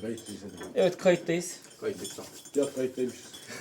Kayıttayız hadi. Evet, kayıttayız. Kayıtlık tamam. Ya kayıttaymışız.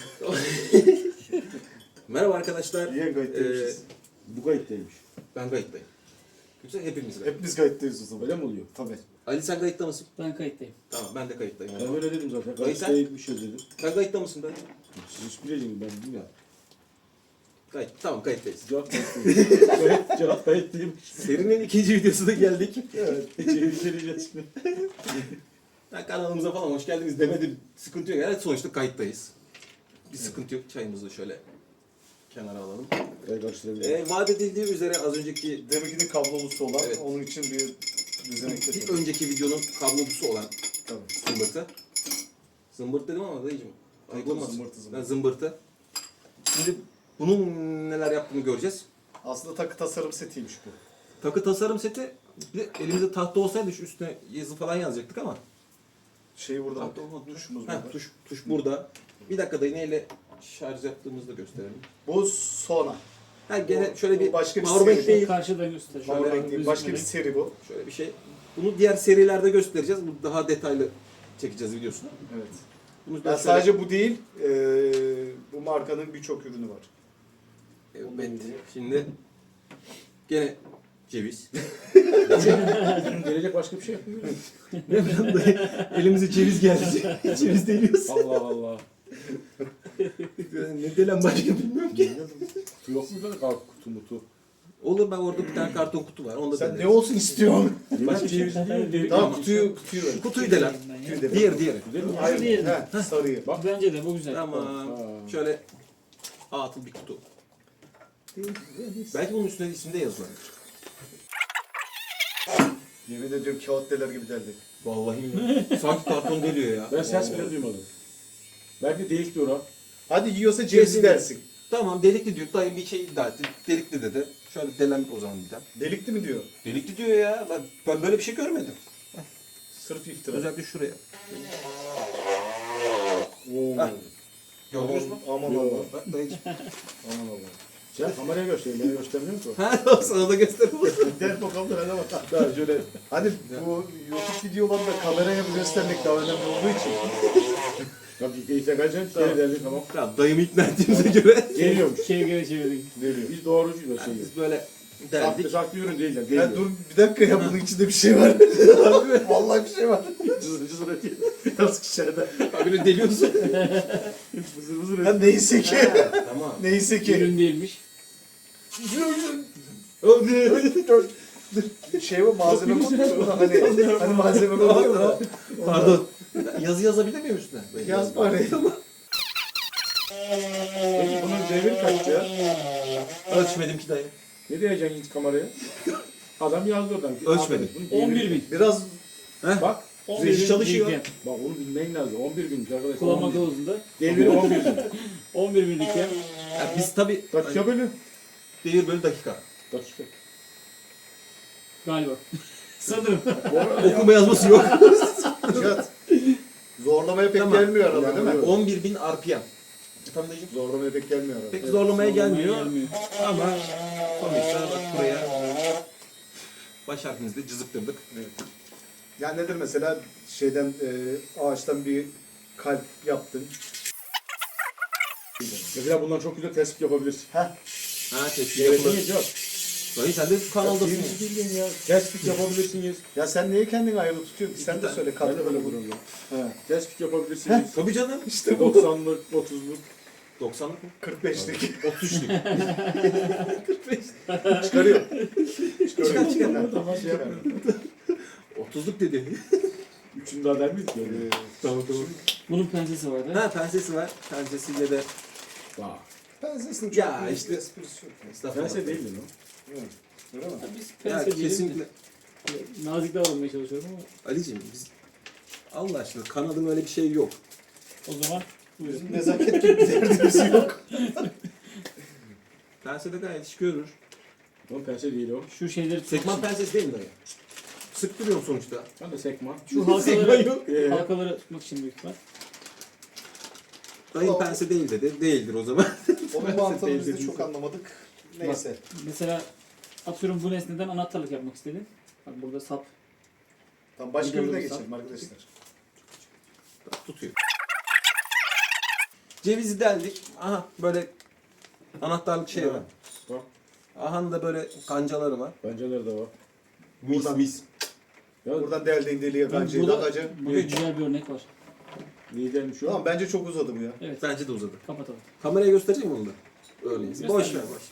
Merhaba arkadaşlar. Niye kayıttaymışız? Bu kayıttaymış. Ben kayıttayım. Yoksa hepimiz kayıt. Hepimiz kayıttayız o zaman. Öyle mi oluyor? Tabii. Ali sen kayıtta mısın? Ben kayıttayım. Tamam ben de kayıttayım. Ben öyle dedim zaten. Dayı sen? Kayıttaymışız dedim. Sen kayıtta mısın dayı? Siz hiç bileceksiniz ben bilmiyorum. Kayıt. Tamam kayıttayız. Cevap kayıttaymış. Cevap kayıttaymış. Serinin ikinci videosuna geldik. Evet. İçeri şimdi. Ben kanalımıza falan hoş geldiniz demedim. Sıkıntı yok. Evet sonuçta kayıttayız. Bir sıkıntı yok. Çayımızı şöyle kenara alalım. Evet karşılayabilirim. Vaat edildiği üzere az önceki Deminkinin kablolusu olan, Evet. onun için bir düzenek bir getirdim. önceki videonun kablosu olan Tabii. zımbırtı. Zımbırt dedim ama dayıcım. Ayıp olmaz. Zımbırtı, zımbırtı. Ben zımbırtı. Şimdi bunun neler yaptığını göreceğiz. Aslında takı tasarım setiymiş bu. Takı tasarım seti, bir de elimizde tahta olsaydı şu üstüne yazı falan yazacaktık ama. Şey burada bak. Tahta olmadı. Tuşumuz Ha, burada. tuş burada. Bir dakika dayı neyle şarj yaptığımızı da gösterelim. Bu Sona. Ha gene Bu- şöyle bu bir başka bir powerbank seri. değil. Karşıdan göstereceğim. Şöyle Powerbank değil. Başka bir Gözükmeden. seri bu. Şöyle bir şey. Bunu diğer serilerde göstereceğiz. Bu daha detaylı çekeceğiz videosunu. Evet. Bunu da Yani şöyle- sadece bu değil, bu markanın birçok ürünü var. Evet. Şimdi gene ceviz. Gelecek başka bir şey yapmıyor. Ne bileyim dayı, elimize ceviz geldi. Ceviz deliyoruz. Allah Allah. Ne delen başka bilmiyorum ki. Kutu yok mu da kutu mutu? Olur ben orada bir tane karton kutu var. Onu da Sen deneriz. ne olsun istiyorsun? Başka ceviz değil. Tamam kutuyu ver. Kutuyu delen. Kutuyu de ver. Diğeri. Değil mi? Hayır, Diğeri. he, sarıyı. Bence de bu güzel. Tamam. Ha. Şöyle atıl bir kutu. Belki bunun üstünde isim de yazılar. Yemin ediyorum kağıt deler gibi deldik. Vallahi mi? Sanki karton deliyor ya. Ben ses bile duymadım. Belki delik diyor ha. Hadi yiyorsa cevizi dersin. Tamam delikli diyor. Dayım bir şey iddia etti. Delikli dedi. Şöyle delen o zaman bir tane. Delikli mi diyor? Delikli diyor ya. Ben böyle bir şey görmedim. Sırf iftira. Özellikle şuraya. Oo. Heh. Gördünüz mü? Aman Yo. Allah. Bak dayıcım. Aman Allah. Sen kameraya göstereyim. Beni göstermiyor musun? Ha sana da göstereyim. Gel bakalım da bana bak. Daha şöyle. Hani bu YouTube videolarında kameraya göstermek daha önemli olduğu için. Tabii ki ise kaçacaksın. Geri derdi tamam. Tamam dayımı ikna ettiğimize göre. Geliyormuş. Çevirgene çevirdik. Geliyor. Biz doğrucuyuz o şeyi. Biz böyle Saklı derdik. saklı ürün değiller. Ya Geliyor. dur bir dakika ya bunun içinde bir şey var. Vallahi bir şey var. Cızır cızır ötüyor. Biraz içeride. Böyle deliyorsun. Vızır vızır Ya ötüyor. neyse ki. Tamam. Neyse ki. Ürün değilmiş. Şey var malzeme koyuyor mu? Hani malzeme koyuyor mu? Pardon. Yazı yazabilir miyim üstüne? Yaz bari. Peki bunun devir kaç ya? Ölçmedim ki dayı. Ne diyeceksin hiç kameraya? Adam yazdı oradan. Ölçmedim. Bunun deviri- 11.000. Biraz Bak. 11.000 çalışıyor. liken. Bak onu bilmen lazım. 11 günlük arkadaşlar. Kullanma 11. kılavuzunda. Deviri 11 gün. 11.000 liken. Ya biz tabii Dakika bölü. devir bölü dakika. Dakika. Galiba. Sanırım. Okuma yazması yok. Cihat. Zorlamaya pek Tamam. gelmiyor araba değil mi? Yani- 11.000 RPM. Efendim dayıcım? Zorlamaya pek gelmiyor araba. Pek zorlamaya gelmiyor. Gelmiyor. Ama sonuçta bak buraya baş harfimizde cızıktırdık. Yani nedir mesela şeyden ağaçtan bir kalp yaptın. Mesela bundan çok güzel tespit yapabilirsin. Ha tepki Evet, yapılır. niye yok? Dayı sen de kanaldasın. Birinci bildiğin ya. Tespit yapabilirsiniz. Ya sen niye kendini ayrı tutuyorsun? Sen de söyle Ben de kalp böyle böyle vuruyorum. Tespit yapabilirsiniz. Tabii canım. İşte bu. 90'lık, 30'luk. 90'lık mı? 45'lik. 33'lük. Çıkarıyor. Çıkar çıkar. Tamam şey yapmıyorum. 30'luk dedi. Üçünü daha der miyiz ki? Tamam tamam. Bunun pensesi vardı. Ha pensesi var. Pensesiyle de Bak. Pensesinin çok Ya büyük işte- bir esprisi yok. estağfurullah. Pense değil mi lan? Öyle mi? Ya biz Ya pense diyelim. kesinlikle. Nazik davranmaya çalışıyorum ama Ali'ciğim biz Allah aşkına kanadın öyle bir şey yok. o zaman buyurun. Bizim nezaket gibi bir derdimiz yok. Pense de gayet iş görür. Lan pense değil o. Şu şeyleri Sekman pensesi değil mi dayı? Sıktırıyorum sonuçta. Ben de sekman. Şu Sekman halkaları, yok. halkaları tutmak için büyük ihtimal. Dayı pense değil dedi. Değildir o zaman. Onun mantığını biz de çok anlamadık. Neyse. Mesela atıyorum bu nesneden anahtarlık yapmak istedin. Bak burada sap. Tamam başka Videoda ürüne bir geçelim arkadaşlar. tutuyor. Cevizi deldik. Aha böyle anahtarlık şey var. Bak, Aha da böyle kancaları var. pencereler de var. Mis mis. Ya Buradan deldiğin deliğe bence burada, ilacı. burada güzel bir örnek var. lidermiş o. Tamam bence çok uzadı bu ya. Evet. Bence de uzadı. Kapatalım. Kameraya göstereceğim onu da. Öyleyse. Göster. Boş ver boş.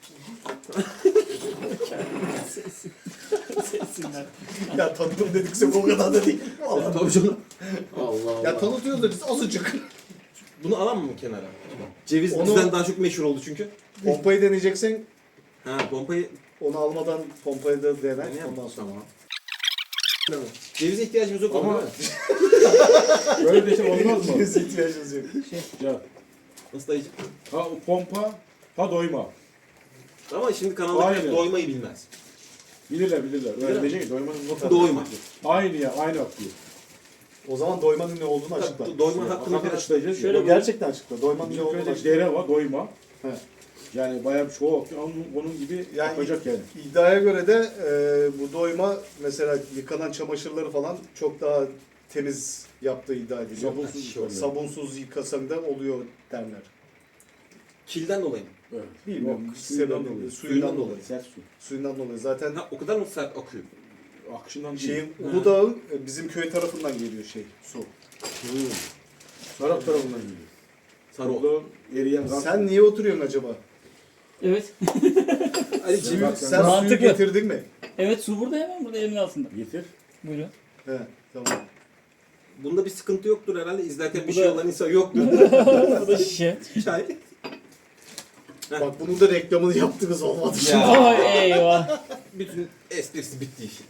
Sessinler. Ya tanıdım dedikse bu kadar da değil. Vallahi. Tabii canım. Allah Allah. Ya tanıtıyoruz da biz azıcık. Bunu alalım mı kenara? Ceviz Onu- bizden daha çok meşhur oldu çünkü. Pompayı deneyeceksen Ha pompayı onu almadan pompayı da dene. deneyelim. Ondan sonra. Tamam. Cevize ihtiyacımız yok Ama ama böyle de şey olmaz mı? Cevize ihtiyacınız yok. Ya, nasıl dayıcım? ha o pompa, ha doyma. Ama şimdi kanaldakiler Aynen. doymayı bilmez. Bilirler. Öyle diyecek doyma. Doyma. Aynı ya, aynı akıyor. O zaman doymanın ne olduğunu açıkla. Doyma hakkını biraz... açıklayacağız. Şöyle Şöyle Gerçekten açıkla. Doymanın ne bizim olduğunu köyde açıkla. dere var, doyma. He. Yani bayağı bir çoğu akıyor. Onun gibi Yani- yapacak yani. İddiaya göre de bu doyma mesela yıkanan çamaşırları falan çok daha temiz yaptığı iddia ediliyor. Sabunsuz yıkanıyor. Sabunsuz yıkasan da oluyor derler. Kilden dolayı mı? Evet. Bilmiyorum. Yok, Suyundan Suyundan dolayı. dolayı. Sert su. Suyundan dolayı. Zaten Ha, o kadar mı sert akıyor? Akışından değil. şeyin Uludağ'ın bizim köy tarafından geliyor su. Sarap tarafından geliyor. Sarı o. Orada eriyen gaz. Sen niye oturuyorsun acaba? Evet. Ali Sen bak, Sen sen suyu Mantıklı. getirdin mi? Evet, su burada, hemen burada elimin altında. getir. Buyurun. He, tamam. Bunda bir sıkıntı yoktur herhalde. İzlerken bir Bu şey da- olan insan yoktur. Bu da şişe. Çay. Bak bunun da reklamını yaptınız olmadı. Ya. Ay eyvah. Bütün esprisi bitti işin.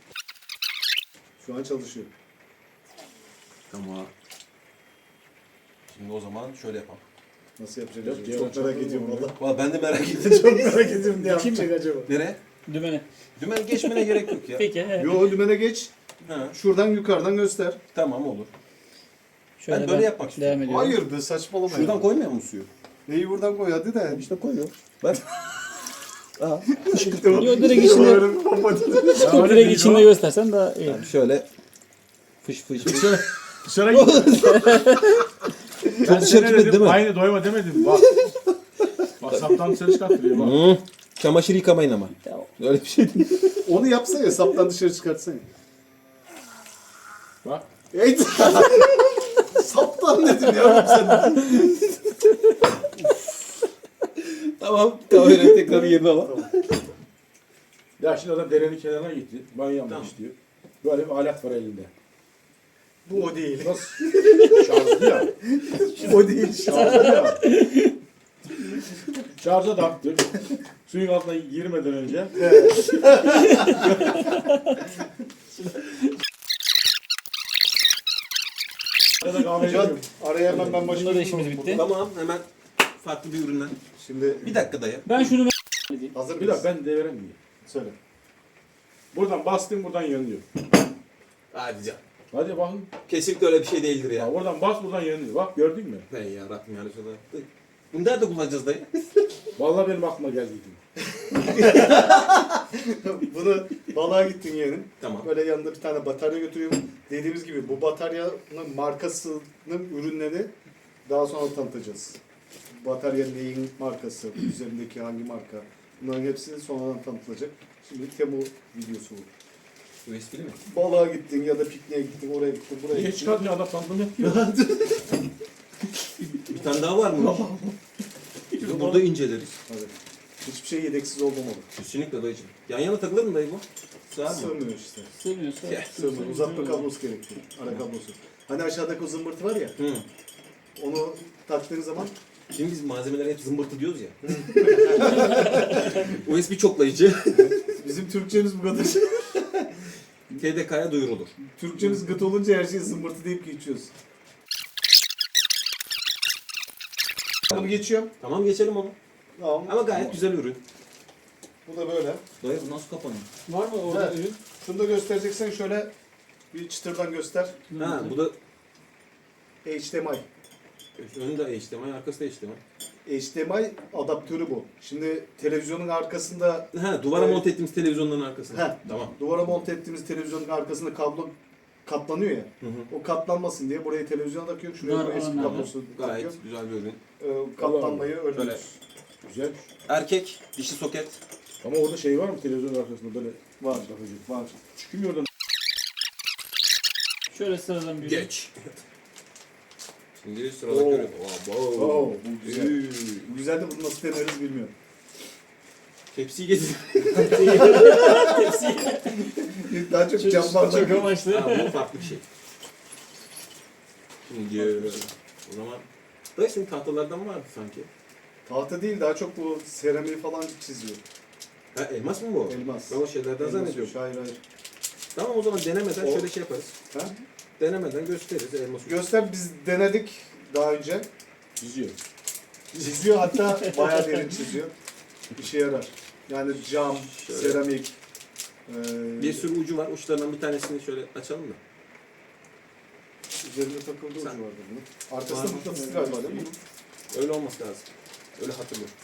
Şu an çalışıyor. Tamam. Şimdi o zaman şöyle yapalım. Nasıl yapacak? Yok, Çok cevap merak ediyorum çalmıyor. valla. Valla ben de merak ettim. Çok merak ediyorum ne Bakayım yapacak acaba? Nereye? Dümene. Dümen geçmene gerek yok ya. Peki. Evet. Yo dümene geç. Ha, Şuradan yukarıdan göster. tamam olur. Şöyle Ben böyle yapmak istiyorum. Devam ediyorum. Hayır be saçmalama. Şuradan ya. koymuyor musun suyu? Neyi buradan koy hadi de. İşte koyuyor. Bak. Aa. Yo, direkt içinde, direkt içinde göstersen daha iyi. Yani şöyle fış fış fış. Dışarı git. Ben dışarı sana gitmedi dedim, değil mi? aynı doyma demedim. Bak. WhatsApp'tan dışarı çıkarttırıyor bak. Hmm. Çamaşır yıkamayın ama. Öyle bir şey değil. Onu yapsana saptan dışarı çıkartsana. Bak. Ey saptan dedim ya sen. Tamam. Kamerayı tekrar yerine al. Ya şimdi adam derenin kenarına gitti. Banyo yapmak Tamam. istiyor. Böyle bir alet var elinde. Bu o değil. Nasıl? Şarjlı ya. O değil. Şarjlı ya. Şarja taktık. Suyun altına girmeden önce. Ya da kahve Can, yapıyorum. araya hemen ben başka Bunda da bir işimiz soru bitti. buldum. Tamam hemen farklı bir üründen. Şimdi Bir dakika dayı. Ben şunu hazır Bir mıyız? dakika ben devrem diye. Söyle. Buradan bastım buradan yanıyor. Hadi can. Hadi bakın. Kesinlikle öyle bir şey değildir Ya ya. oradan bas buradan yanıyor. Bak gördün mü? Ne ya Rabbim ya Resulallah. Bunu nerede kullanacağız dayı? Vallahi benim aklıma geldi. Bunu balığa gittin yeğenim. Tamam. Böyle yanında bir tane batarya götürüyorum. Dediğimiz gibi bu bataryanın markasının ürünleri daha sonra tanıtacağız. Batarya neyin markası, üzerindeki hangi marka. Bunların hepsi sonradan tanıtılacak. Şimdi Temu videosu bu. USB mi? Balığa gittin ya da pikniğe gittin, oraya gittin, buraya Niye gittin. çıkartmıyor adam tanıtım yapıyor. Bir tane daha var mı? Biz de burada inceleriz. Hadi. Hiçbir şey yedeksiz olmamalı. Kesinlikle dayıcım. Yan yana takılır mı dayı bu? Sığar mı? Sığmıyor işte. sığmıyorsa. Sığmıyor. Uzatma kablosu gerekiyor. Ara kablosu. Hani aşağıdaki o zımbırtı var ya, Hı. onu taktığın zaman Şimdi biz malzemelere hep zımbırtı diyoruz ya. USB çoklayıcı. bizim Türkçemiz bu kadar. TDK'ya duyurulur. Türkçemiz gıt olunca her şeyi zımbırtı deyip geçiyoruz. Bunu geçiyorum. Tamam geçelim onu. Tamam. Ama gayet güzel ürün. Bu da böyle. Dayı bu nasıl kapanıyor? Var mı orada Evet. ürün? Şunu da göstereceksen şöyle bir çıtırdan göster. Ha bu da HDMI. önü de HDMI, arkası da HDMI. HDMI adaptörü bu. Şimdi televizyonun arkasında Ha duvara Evet. monte ettiğimiz televizyonların arkasında. Heh. Tamam. duvara monte ettiğimiz televizyonun arkasında kablo katlanıyor ya. Hı hı. O katlanmasın diye buraya televizyon takıyor. Şuraya Var, USB olanlar var. kablosu takıyor. Gayet güzel bir ürün. Katlanmayı Böyle. önlüyoruz. Güzel. Erkek, dişi soket. Ama orada şey var mı televizyon arkasında böyle Var. takıcı? Var. Çıkmıyor oradan. Şöyle sıradan bir Geç. Şimdi sıradaki ürün. Oo, bu güzel. Bu güzel de bunu nasıl deneriz bilmiyorum. Tepsiyi getir. Daha çok cam bardak. çok amaçlı. Ha, bu farklı bir şey. Şimdi o zaman da şimdi tahtalardan vardı sanki. Tahta değil, daha çok bu seramiği falan çiziyor. Ha, elmas mı bu? Elmas. Ben o şeylerden Elmas zannediyorum. yok, hayır. Tamam o zaman denemeden O- şöyle şey yaparız. Ha? Denemeden gösteririz elmas. Göster, biz denedik daha önce. Çiziyor. Çiziyor, hatta bayağı derin çiziyor. İşe yarar. Yani cam, Şöyle. seramik. Bir sürü ucu var. Uçlarından bir tanesini şöyle açalım da. Üzerinde takıldığı ucu Sen- vardı bunun. Arkasında Var mı? mıknatıs galiba değil mi bunun? Öyle olması lazım. Öyle hatırlıyorum.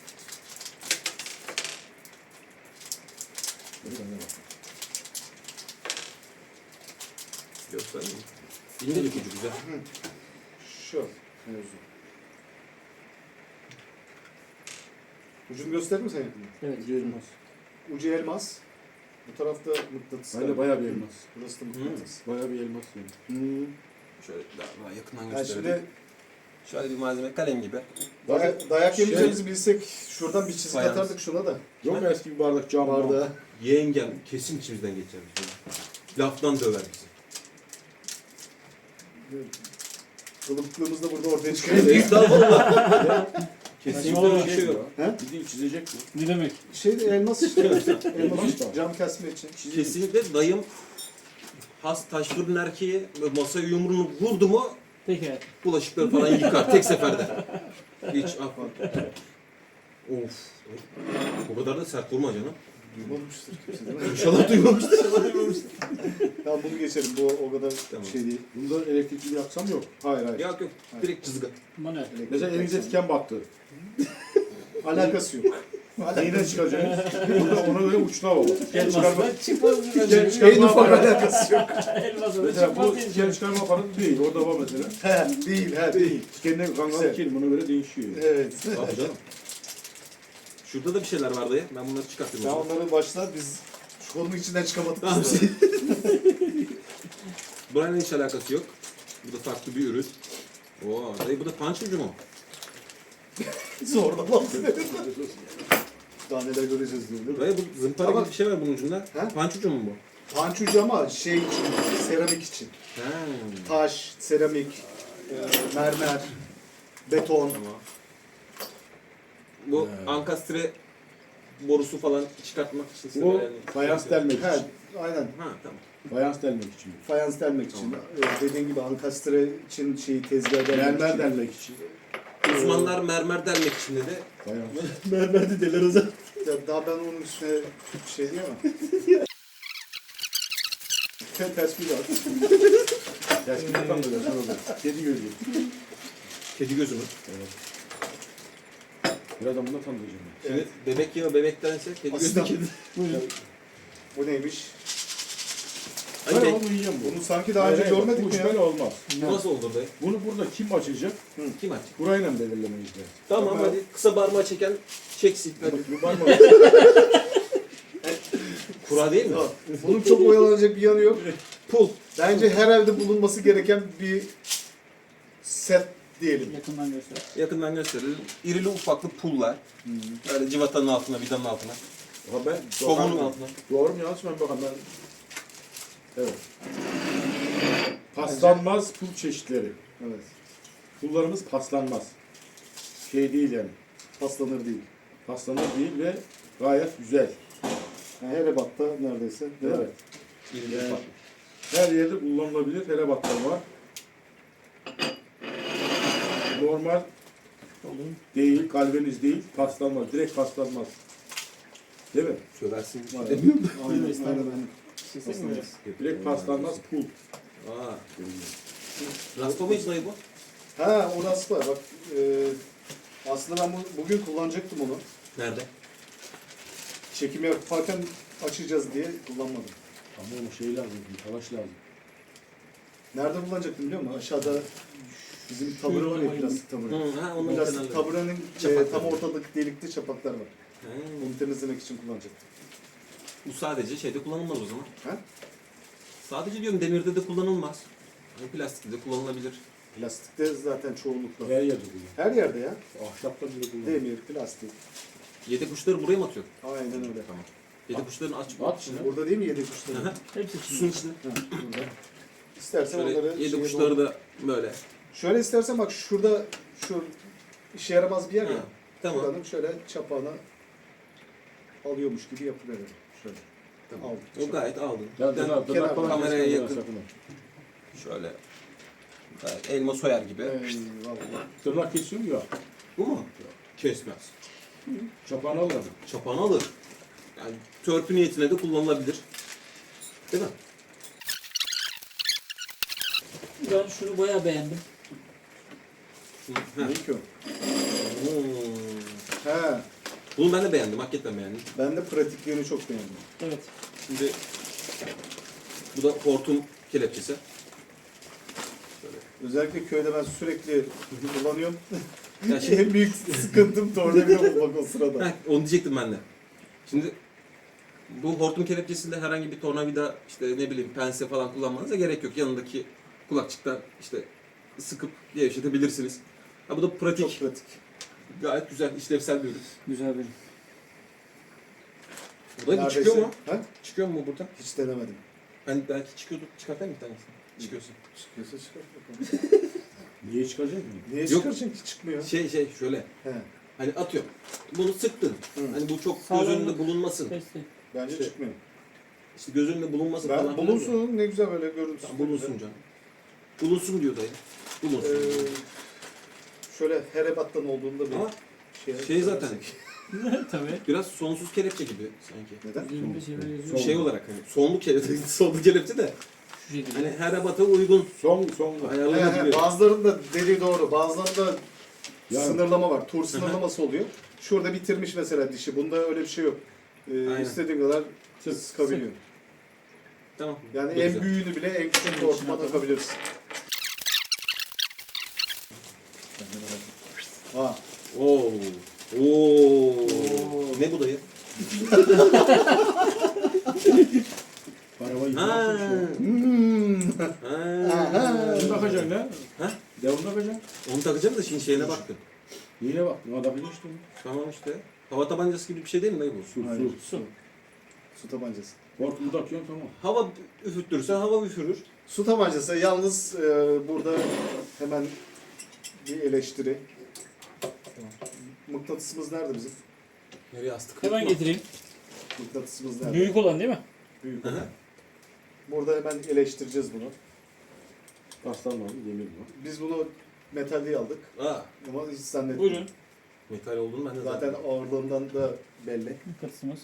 Böyle kendine bak. Göstereyim mi? İncelik ucu güzel. Şu mevzu. Ucunu gösterir misin yakında? Evet. Ucu elmas. Ucu elmas. Bu tarafta mıknatıs. Aynen galiba. bayağı bir elmas. Burası da mıknatıs. Bayağı bir elmas yani. Şöyle daha yakından Yani gösterelim. şimdi Şöyle bir malzeme kalem gibi. dayak yemeyeceğimizi bilsek şuradan bir çizik Fayans. atardık şuna da. Yok mu eski bir bardak cam Bardağı. Yengem kesin içimizden geçer. Laftan döver bizi. Kılıklığımız da burada ortaya çıkıyor. Estağfurullah. Kesinlikle öyle bir şey yok. He? Bildiğin çizecek bu. Ne demek? Şey elmas işte. elmas işte. cam kesme için. Kesinlikle dayım has taş fırın erkeği masaya yumruğunu vurdu mu Peki. bulaşıkları falan yıkar tek seferde. Hiç affa. Of. O kadar da sert vurma canım. Duymamıştır kimse değil mi? İnşallah duymamıştır. Tamam bunu geçelim. Bu o kadar Tamam. şey değil. Bunda elektrikli bir aksam yok. Hayır hayır. Yok yok. Direkt çizgi. Manuel. Mesela elinize tiken battı. Alakası yok. Neyden çıkaracaksınız? Burada ona göre uçuna baba. Tiken çıkarma. Elmasla çıkmaz mı? Tiken çıkarma En ufak aparatı. alakası yok. Elmasla Mesela bu çıkmaz tiken diyeceğim. çıkarma aparatı değil. Orada var mesela. He, değil. Tikenle kangal Güzel. kelim ona göre değişiyor. Evet. Abi canım. Şurada da bir şeyler var dayı. Ben bunları çıkartayım. Sen o zaman. onları başla, biz şu konunun içinden çıkamadık. Tamam. biz de. Burayla hiç alakası yok. Bu da farklı bir ürün. Oo, dayı bu da punch ucu mu? Zorla daha neler göreceğiz diyor. Dayı bu zımpara Ama- gibi bir şey var bunun ucunda. He? Punch ucu mu bu? Panç ucu ama şey için, seramik için. He. Taş, seramik, mermer, beton. Tamam. Bu ankastre borusu falan çıkartmak için. Bu yani- fayans delmek He, için. aynen. Ha tamam. Fayans delmek için. Fayans delmek için. Dediğin gibi ankastre için şeyi tezgah delmek Mermer için. delmek için. Uzmanlar mermer delmek için dedi. Fayans. Mermer de deler o zaman. Ya daha ben onun üstüne şey diyemem. Ters bir at. Ters bir tam böyle sonra böyle. Kedi gözü. Kedi gözü mü? Birazdan bunu da tanıyacağım. Şimdi bebek yağı bebektense kedi gözü Aslan. kedi. Bu neymiş? Ay, Ben ben- onu yiyeceğim bu. Bunu sanki daha önce görmedik bu mi ya? böyle olmaz. Bu nasıl oldu dayı? Bunu burada kim açacak? Kim aç? Burayla belirlemeyiz de. Tamam Tamam. hadi kısa parmağı çeken çeksin. Hadi. Bu var mı? Kura değil mi? Bunun çok oyalanacak bir yanı yok. Pul. Bence her evde bulunması gereken bir set diyelim. Yakından göster. Yakından gösterelim. İrili ufaklı pullar. Böyle civatanın altına, vidanın altına. Ha ben Somunun altına. Doğru mu yanlış mı ben bakalım ben. Evet. Paslanmaz pul çeşitleri. Evet. Pullarımız paslanmaz. Şey değil yani. Paslanır değil. Paslanır değil ve gayet güzel. Yani her ebatta neredeyse. Değil mi? Evet. İrili Yani ufaklı. her yerde kullanılabilir. Hele battal var. Normal değil, galvaniz değil, paslanmaz. Direkt paslanmaz. Değil mi? Söversin. Aynen. Demiyorum. Aynen. Buyurun, Aynen. Paslanmaz. Direkt paslanmaz pul. Aa. Raspa mıyız dayı bu? Ha o raspa bak. Aslında ben bugün kullanacaktım onu. Nerede? Çekim yaparken açacağız diye kullanmadım. Ama onun şey lazım, talaş lazım. Nerede kullanacaktım biliyor musun? Aşağıda bizim tabure var ya, plastik tabure. Ha, onun Plastik kenarları. taburenin Çapakları. tam ortadaki delikte çapaklar var. Ha, Onu temizlemek için kullanacaktım. bu sadece şeyde kullanılmaz o zaman. Ha? Sadece diyorum demirde de kullanılmaz. Yani plastikte de kullanılabilir. Plastikte zaten çoğunlukla. Her yerde kullanıyor. Her yerde ya. Ahşapta bile kullanıyor. Demir, plastik. Yedek uçları buraya mı atıyor? Aynen öyle. Tamam. Yedek uçların aç. At şunu. Burada değil mi yedek kuşları? Aha. Hepsi için. Suyun içinde. Ha, burada. İstersen onları Şöyle yedek şeye uçları doğru- da böyle. Şöyle istersen bak şurada şu işe yaramaz bir yer Ha, ya. tamam. Buranın şöyle çapağına alıyormuş gibi yapıverelim. Şöyle. Tamam. Aldık. O gayet aldın. Ya Bir tane tırnak kenar- falan kameraya kesmeden yakın. sakın. şöyle. Gayet elma soyar gibi. Eyvallah. Tırnak kesiyor mu ya? Bu mu? Kesmez. Çapağını almadı. Çapağını alır. Yani törpü niyetine de kullanılabilir. Değil mi? Ben şunu bayağı beğendim. Heh. Ne ki o? Hmm. He. Bunu ben de beğendim. Hakikaten beğendim. Ben de pratikliğini çok beğendim. Evet. Şimdi bu da hortum kelepçesi. Özellikle köyde ben sürekli kullanıyorum. Ya şimdi- En büyük sıkıntım tornavida bulmak o sırada. Heh, onu diyecektim ben de. Şimdi bu hortum kelepçesinde herhangi bir tornavida, işte ne bileyim pense falan kullanmanıza gerek yok. Yanındaki kulakçıktan işte sıkıp gevşetebilirsiniz. Ha, bu da pratik. Çok pratik. Gayet güzel, işlevsel bir ürün. Güzel benim. Bu da Neredeyse- çıkıyor mu? He? Çıkıyor mu buradan? Hiç denemedim. Ben belki çıkıyordu. Çıkartayım bir tanesini. Çıkıyorsun. Çıkıyorsa çıkart bakalım. Niye çıkacak mı? Niye Yok. çıkaracaksın ki çıkmıyor? Şey şöyle. He. Hani atıyor. Bunu sıktın. Hı. Hani bu çok Sağlam göz önünde mı? bulunmasın. Kesti. Bence İşte- çıkmıyor. İşte göz önünde bulunmasın Ben falan. filan diyor. bulunsun ne güzel böyle görüntüsü. Tamam, bulunsun canım. Bulunsun diyor dayı. Bulunsun. Şöyle her ebattan olduğunda bir Ama şey, şey zaten Tabii. biraz sonsuz kelepçe gibi sanki. Neden? Üzerinde şeyler yazıyor. Şey olarak hani sonlu kelepçe, sonlu kelepçe de Şu şekilde. hani her ebata uygun Son. ayarlanabilir. Bazılarının da dediği doğru. Bazılarında Yani- sınırlama var. Tur sınırlaması oluyor. Şurada bitirmiş mesela dişi. Bunda öyle bir şey yok. Aynen. İstediğin kadar sıkabiliyor. Tamam. Yani Bu en güzel. büyüğünü bile en küçük hortuma takabilirsin. Ha. Oo. Oo. Ne bu dayı? Arabayı Ha. yıkamak Ha. Bunu takacaksın lan. Ha? Devamlı takacaksın. Onu takacağım da şimdi şeyine baktım. Niye bak? Buna takacaksın işte. Tamam işte. Hava tabancası gibi bir şey değil mi dayı bu? Su, Hayır. su. Su. Su tabancası. Hortumu takıyorsun tamam. Hava üfüttürsen hava üfürür. Su tabancası yalnız burada hemen bir eleştiri. Mıknatısımız nerede bizim? Nereye astık? Hemen getireyim. Mıknatısımız nerede? Büyük olan değil mi? Büyük. Hı hı. Burada hemen eleştireceğiz bunu. Paslanmadı, demir var. Biz bunu metal diye aldık Aa, ama hiç zannetmiyorum. Buyurun. metal olduğunu ben de Zaten ağırlığından da belli. Katısımız.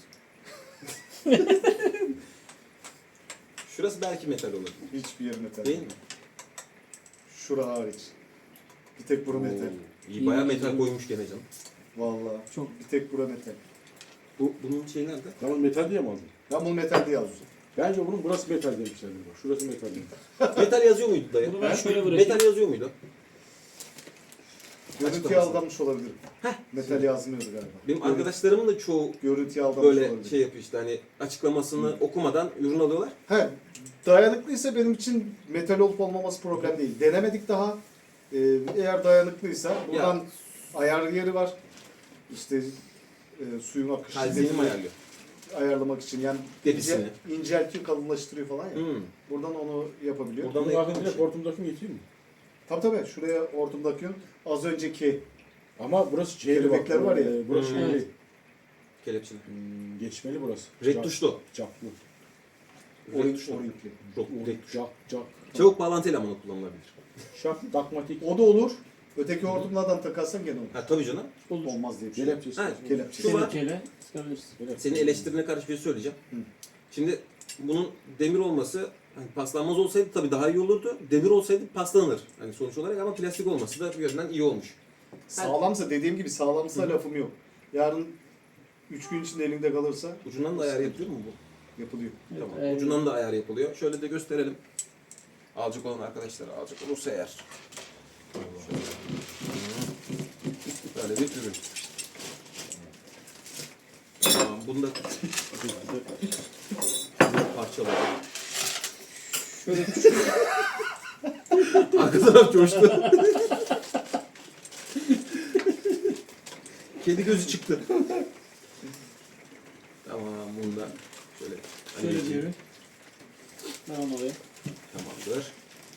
Şurası belki metal olabilir. Hiçbir yer metal. Değil mi? Şura hariç. Bir tek bura metal. Oo, İyi bayağı metal koymuş gene canım. Vallahi. Çok. Bir tek bura metal. Bunun şeyi nerede? Tamam metal diye mi aldın? Ben bunu metal diye aldım. Bence bunun burası metal demişlerdir bak. Şurası metal demiş. Metal yazıyor muydu dayı? Bunu ben şöyle bırakayım. Metal yazıyor muydu? Görüntüye Açıklaması. aldanmış olabilirim. Metal yazmıyordu galiba. Benim arkadaşlarımın da çoğu Görüntüye aldanmış böyle olabilir. şey yapıyor işte hani açıklamasını okumadan ürün alıyorlar. He, dayanıklıysa benim için metal olup olmaması problem değil. Denemedik daha. Eğer dayanıklıysa buradan ayar yeri var. İşte suyun akışı Kalzini mi ayarlıyor? ayarlamak için. Yani Depisini. inceltiyor, kalınlaştırıyor falan ya. Hmm. Buradan onu yapabiliyor. Buradan- Bunun da bakın direkt yapılmış. hortumdaki mi yetiyor mu? Tabii şuraya hortum takıyorsun. Az önceki Ama burası şeyli bak. Kelebekler var ya. Burası Hmm. şeyli. Kelepçeli. Geçmeli burası. Red tuşlu. Caklı. Red tuşlu. orinkli. Red tuşlu. Cak. Çabuk bağlantı elemanı kullanılabilir. Şak, takmatik. O da olur. Öteki hortumlardan takarsan gene olur. Ha tabii canım. Olur. Olmaz diye bir şey. Kelepçesi. Ha, Kelepçe. Şu var. Kelepçeyle sıkabilirsin. Senin eleştirine karşı bir şey söyleyeceğim. Hı. Şimdi bunun demir olması hani paslanmaz olsaydı tabii daha iyi olurdu. Demir olsaydı paslanır. Hani sonuç olarak ama plastik olması da bir yönden iyi olmuş. Sağlamsa dediğim gibi sağlamsa lafım yok. Yarın 3 gün içinde elinde kalırsa Ucundan da ayar yapılıyor mu bu? yapılıyor. Evet, Tamam. Ucundan da ayar yapılıyor. Şöyle de gösterelim. Alacak olan arkadaşlar alacak olursa eğer. Böyle bir ürün. Tamam, bunu da parçaladım. Şöyle Arka taraf coştu. Kedi gözü çıktı. Tamam, bunu da şöyle Şöyle anneciğim. bir ürün. Tamam oraya. Tamamdır.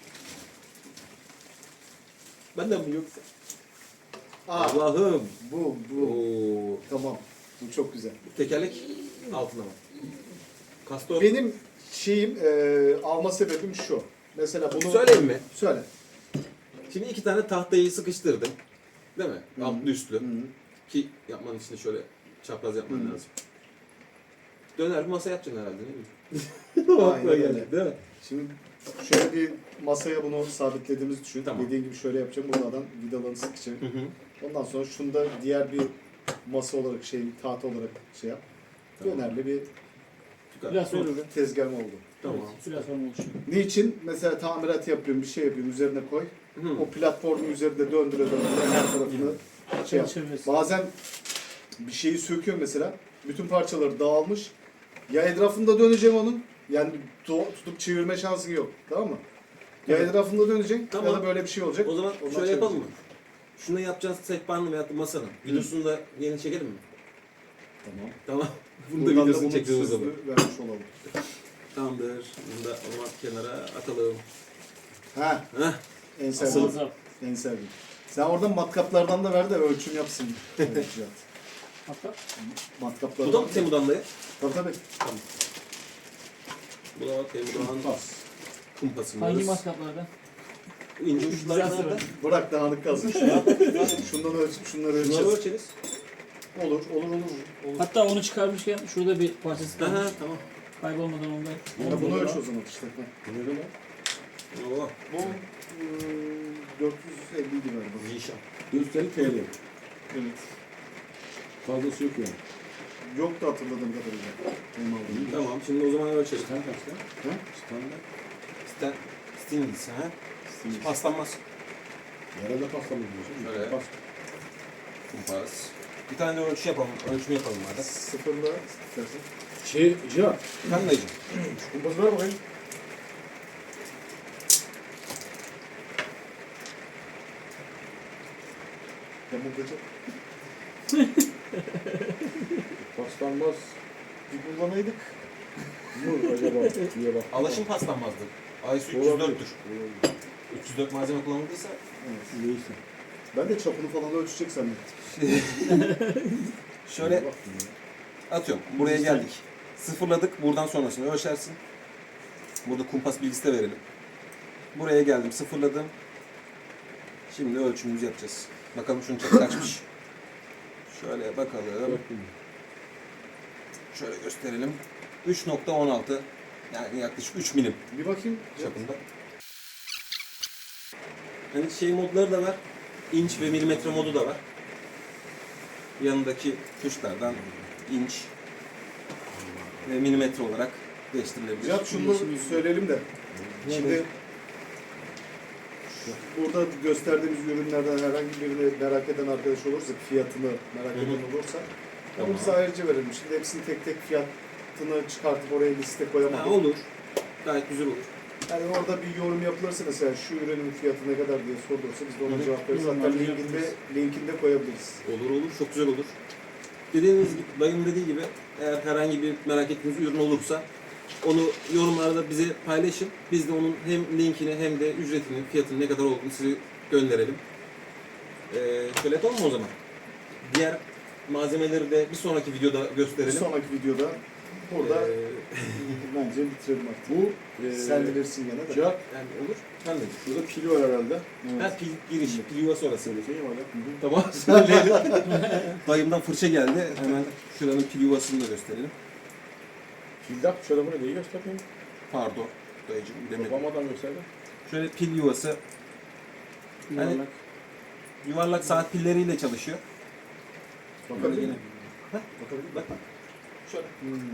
Benden mi yoksa? Allah'ım. Bu. Oo. Tamam. Bu çok güzel. Tekerlek altına mı? Kastor. Benim şeyim, alma sebebim şu. Mesela bunu... Söyleyeyim mi? Söyle. Şimdi 2 tane tahtayı sıkıştırdım. Değil mi? Hı. Altlı üstlü. Hı. Ki yapman için de şöyle çapraz yapman Hı. lazım. Döner bir masa yapacaksın herhalde değil mi? Aynen öyle. Değil mi? Şimdi şöyle bir masaya bunu sabitlediğimizi düşün. Tamam. Dediğin gibi şöyle yapacağım. Buradan vidalarını sıkacağım. Hı hı. Ondan sonra şunu da diğer bir masa olarak tahta olarak şey yap. Tamam. Dönerli bir Biraz sonra ürün. tezgahım oldu. Tamam. Biraz sonra oluşuyor. Niçin? Mesela tamirat yapıyorum, bir şey yapıyorum, üzerine koy. Hı. O platformun üzerinde döndüre her tarafını şey yap. Çevirmesi. Bazen bir şeyi söküyorum mesela. Bütün parçaları dağılmış. Ya etrafında döneceğim onun. Yani tutup çevirme şansın yok. Tamam mı? Ya Evet. etrafında döneceksin Tamam. ya da böyle bir şey olacak. O zaman Ondan şöyle yapalım mı? çevireceksin. Şunu yapacağız sehpanın veyahut da masanın. Videosunu da yeni çekelim mi? Tamam. Tamam. Bunu da Buradan videosunu bunu çekeceğiz o sözlü zaman. vermiş olalım. Tamamdır. Bunu da o zaman kenara atalım. Ha, Heh. en sevdiğim. Muazzam. En sevdiğim. Sen oradan matkaplardan da ver de ölçüm yapsın. Evet, Cihat. Hatta Matkaplardan. Bu da mı Temu'dan dayı? Tabii tabii. Bu da Temu'dan kumpas. kumpasımız. hangi maskaplardan? İnce uçları Güzel nerede? Bırak dağınık kalsın. Şundan ölçüp şunları Bunları ölçeceğiz. ölçeriz. Olur. Hatta onu çıkarmışken şurada bir parçası Aha, kalmış. tamam. Kaybolmadan ondan. Ya bunu ölç o zaman işte. Bu ne lan? Oo. Bu 450 gibi galiba. Zişan. 450 TL. Evet. Fazlası yok yani. Yok da hatırladığım kadarıyla. Benim aldığım. Tamam, şimdi o zaman ölçelim. Sen kaçta? Ha? Standart. Stinglis ha? Paslanmaz. Yarada pastalı diyorsun. Şöyle. Pas. Kumpas. Bir tane de ölçü yapalım. Ölçümü yapalım madem. Sıfırla istersen. Cihat. Ben dayıcım. Şu kumpası ver bakayım. Yamultacak. Paslanmaz. Bir kullanaydık. Mı acaba diye bak. Alaşım paslanmazdı. ISO Olabilir. 304'tür. Olabilir. 304 malzeme kullanıldıysa Evet. Neyse. Ben de çapını falan ölçecek zannettim. şöyle Baktım ya. atıyorum. Buraya geldik. Sıfırladık. Buradan sonrasını ölçersin. Burada kumpas bilgisi de verelim. Buraya geldim. Sıfırladım. Şimdi ölçümümüzü yapacağız. Bakalım şunun çapı kaçmış. Şöyle bakalım. Baktım. Şöyle gösterelim. 3.16 yani yaklaşık 3 milim Bir bakayım. çapında. Hani şey modları da var. İnç ve milimetre modu da var. Yanındaki tuşlardan inç ve milimetre olarak değiştirilebilir. Cihat şunu söyleyelim de. Şimdi burada gösterdiğimiz ürünlerden herhangi birini merak eden arkadaş olursa, fiyatını merak eden olursa Tamam. onu bize ayrıca verelim. Şimdi hepsini tek tek fiyatını çıkartıp oraya liste Ha, koyamadık. olur. Gayet güzel olur. Yani orada bir yorum yapılırsa mesela şu ürünün fiyatı ne kadar diye sorulursa biz de ona cevap veririz. Hatta Yorumları linkinde koyabiliriz. Olur olur. Çok güzel olur. Dediğiniz gibi, dayım dediği gibi eğer herhangi bir merak ettiğiniz ürün olursa onu yorumlarda bize paylaşın. Biz de onun hem linkini hem de ücretini, fiyatını ne kadar olduğunu size gönderelim. Şöyle yapalım mı o zaman? Diğer malzemeleri de bir sonraki videoda Bir gösterelim. sonraki videoda burada Ee, bence bitirelim artık. Bu Sen bilirsin gene de. Cihat. yani olur. Ben de. Şurada pil var herhalde. Ha, pil giriş, pil yuvası orası. Söylesene bana. Tamam, söyleyelim. Dayımdan fırça geldi. Hemen şuranın pil yuvasını da gösterelim. Pildak şöyle bunu neyi göstereyim? Pardon, dayıcım bilemedim. Babamadan gösterdim. Şöyle pil yuvası. Hani Yuvarlak. yuvarlak saat pilleriyle çalışıyor. Bakabilir Yine. miyim? Heh. Bakabilir miyim? Bak bak. Şöyle.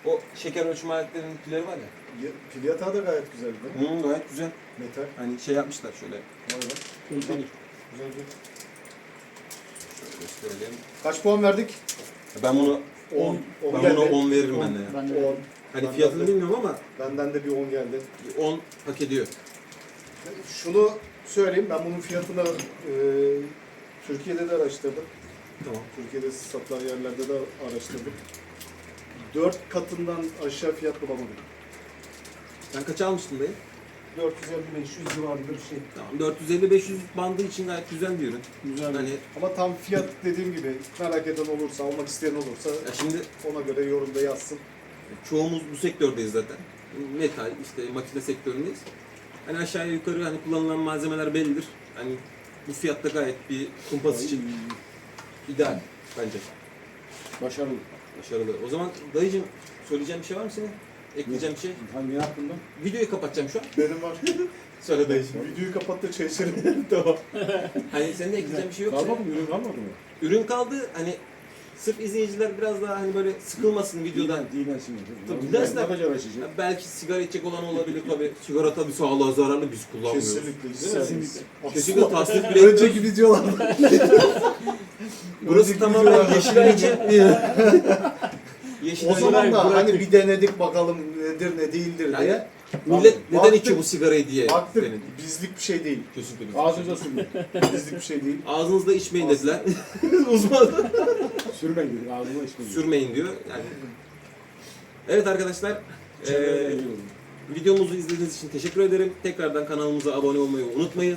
O şeker ölçme aletlerinin pilleri var ya. Pil yatağı da gayet güzeldi. Gayet güzel. Metal. Hani şey yapmışlar şöyle. Vay be. Kaliteli. Güzel bir. Şöyle gösterelim. Kaç puan verdik? Ben bunu 10. ben buna 10 veririm ben de ya. Ben de 10. Hani Ben fiyatını de- bilmiyorum ama Benden de bir 10 geldi. 10 hak ediyor. Şunu söyleyeyim, ben bunun fiyatını Türkiye'de de araştırdım. Tamam. Türkiye'de satılan yerlerde de araştırdım. 4 katından aşağı fiyat bulamadım. Sen kaça almıştın dayı? 450-500 civarında bir şey. Tamam. 450-500 bandı için gayet güzel bir ürün. güzel. Hani Ama tam fiyat dediğim gibi merak eden olursa, almak isteyen olursa ya şimdi ona göre yorumda yazsın. çoğumuz bu sektördeyiz zaten. Metal, işte makine sektöründeyiz. Hani aşağıya yukarı hani kullanılan malzemeler bellidir. Hani bu fiyatta gayet bir kumpas için ideal bence. Başarılı. Başarılı. O zaman dayıcım söyleyeceğim bir şey var mı senin? Ekleyeceğim bir şey. Hangi hakkında? Videoyu kapatacağım şu an. Benim var. Söyle dayıcım. Videoyu kapat da çay içelim. Tamam. Hani senin de ekleyeceğin bir şey yoksa. Kalmadı mı? Ürün kalmadı mı? Ürün kaldı. Hani sırf izleyiciler biraz daha hani böyle sıkılmasın videodan. Dinlensin. Tabii, Ne dinlensinler. kadar açacak? Ya belki sigara içecek olan olabilir tabii. Sigara tabii sağlığa zararlı, biz kullanmıyoruz. Kesinlikle. Kesinlikle. Kesinlikle tasdik bile etmiyoruz. Önceki videolarda. Burası Önceki tamamen videolarda. Yeşilay için. Yeşilay O zaman da bıraktık. hani bir denedik bakalım nedir ne değildir Yani diye. millet neden Baktık- içiyor bu sigarayı diye Baktık denedik. bizlik bir şey değil. Kesinlikle biz. Ağzınıza sürmeyin. Bizlik bir şey değil. Ağzınızda içmeyin dediler. Uzman. Sürmeyin dedik. Ağzına içmeyin. Sürmeyin diyor. Yani. Evet arkadaşlar. Çevreye eee, ilgili olun. videomuzu izlediğiniz için teşekkür ederim. Tekrardan kanalımıza abone olmayı unutmayın.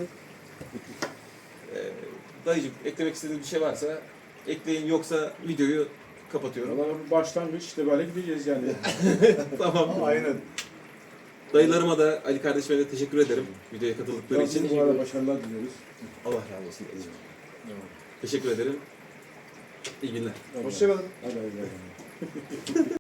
Dayıcım eklemek istediğiniz bir şey varsa ekleyin, yoksa videoyu kapatıyorum. Valla bir başlangıç işte böyle gideceğiz yani. Tamam. Aynen. Dayılarıma da, Ali kardeşime de teşekkür ederim videoya katıldıkları için. Bizim bu arada başarılar diliyoruz. Allah razı olsun dayıcım. Teşekkür ederim. İyi günler. Hoşçakalın. Hadi hadi. hadi.